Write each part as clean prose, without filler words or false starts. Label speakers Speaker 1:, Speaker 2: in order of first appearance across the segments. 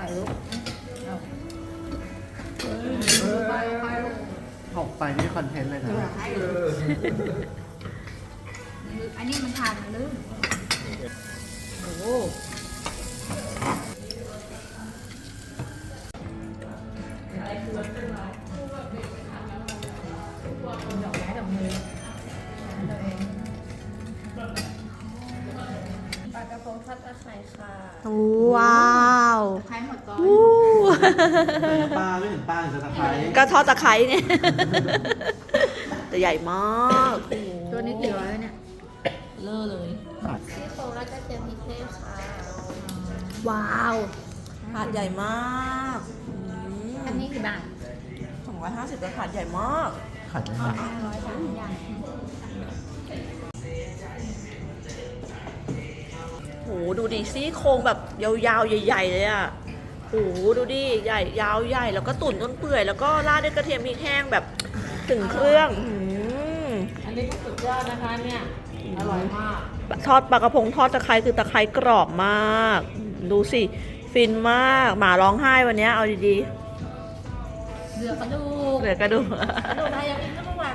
Speaker 1: ส่ลูกเอาไป
Speaker 2: หกไปนี่คอนเทนต์เลยนะ
Speaker 1: อันนี้มันทานลืมโอ้โหดอกไม้ดอกมือปลากระพงทอดตะไคร้ค่ะ
Speaker 3: ว้าว
Speaker 1: ตะไคร้หมดก่อน
Speaker 3: วู้
Speaker 2: ป้าไม่เห็นป้าเห็นแต่ตะไคร้
Speaker 3: ก็ทอดตะไคร้เนี่ย แต่ใหญ่มากโอ้โห
Speaker 1: ตัวนี้กี่ร้อยเนี่ย
Speaker 3: เลอะเลย
Speaker 1: ซี่โครงและกระเทียมพริกแห้งค่ะ
Speaker 3: ว้าวถาดใหญ่มาก
Speaker 1: อันนี้กี่บาท
Speaker 3: 250ถาดใหญ่มาก
Speaker 2: ขัดได้ไหม
Speaker 1: 500บาทอย่าง
Speaker 3: โหดูดิซี่โครงแบบยาวๆใหญ่ๆเลยอ่ะโหดูดิใหญ่ยาวใหญ่แล้วก็ตุ๋นจนเปื่อยแล้วก็ราดด้วยกระเทียมพริกแห้งแบบถึงเครื่อง
Speaker 1: อันนี้ก็สุดยอดนะคะเนี่ย อร่อยมาก
Speaker 3: ทอดปลากระพงทอดตะไคร้คือตะไคร้กรอบมาก ดูสิฟินมากหมาร้องไห้วันนี้เอาดี
Speaker 1: เหลือกระดู
Speaker 3: ๆ
Speaker 1: ก
Speaker 3: เหลือกระดูก
Speaker 1: กระดูกไทยยังกินก็ไม่หวาน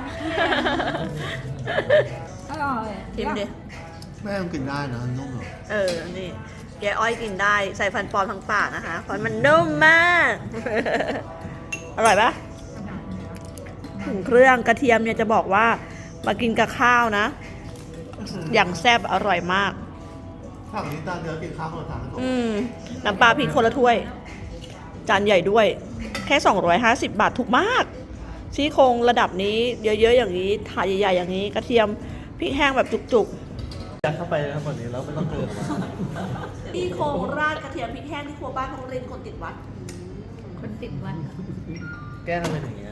Speaker 1: อร่อย
Speaker 3: ชิมดิ
Speaker 2: แม่ต้องกินได้นะนุ่มเหรอ
Speaker 3: นี่แกอ้อยกินได้ใส่ฟันปลอมทั้งปากนะคะเพราะมันนุ่มมาก อร่อยปะถึงเครื่องกระเทียมเนี่ยจะบอกว่ามากินกับข้าวนะ อย่างแซ่บอร่อยมาก
Speaker 2: ฝั่งนี้ตาเดียวกินข้าวคนละถาดแล้วก็
Speaker 3: น้ำปลาพริกคนละถ้วย จานใหญ่ด้วย แค่250 บาทถูกมากซี่โครงระดับนี้เยอะๆอย่างนี้ถาดใหญ่ๆอย่างนี้ กระเทียมพริกแห้งแบบจุกๆ
Speaker 2: ยัดเข้าไปทั้งหมดนี้แล้วไม่ต้องเกิน
Speaker 3: ซี่โครงราดกระเทียมพริกแห้งที่ครัวบ้านของรินคนติดวัด
Speaker 1: คนติดวัน
Speaker 2: แก้ทำเป็นอย่างเงี้ย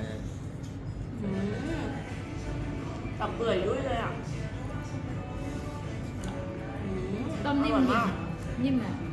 Speaker 3: ตับเปื่อยด้วยเลยอ่ะ
Speaker 1: ต้มนิ่ม
Speaker 3: อร่อยมาก
Speaker 1: นิ่มอ่ะ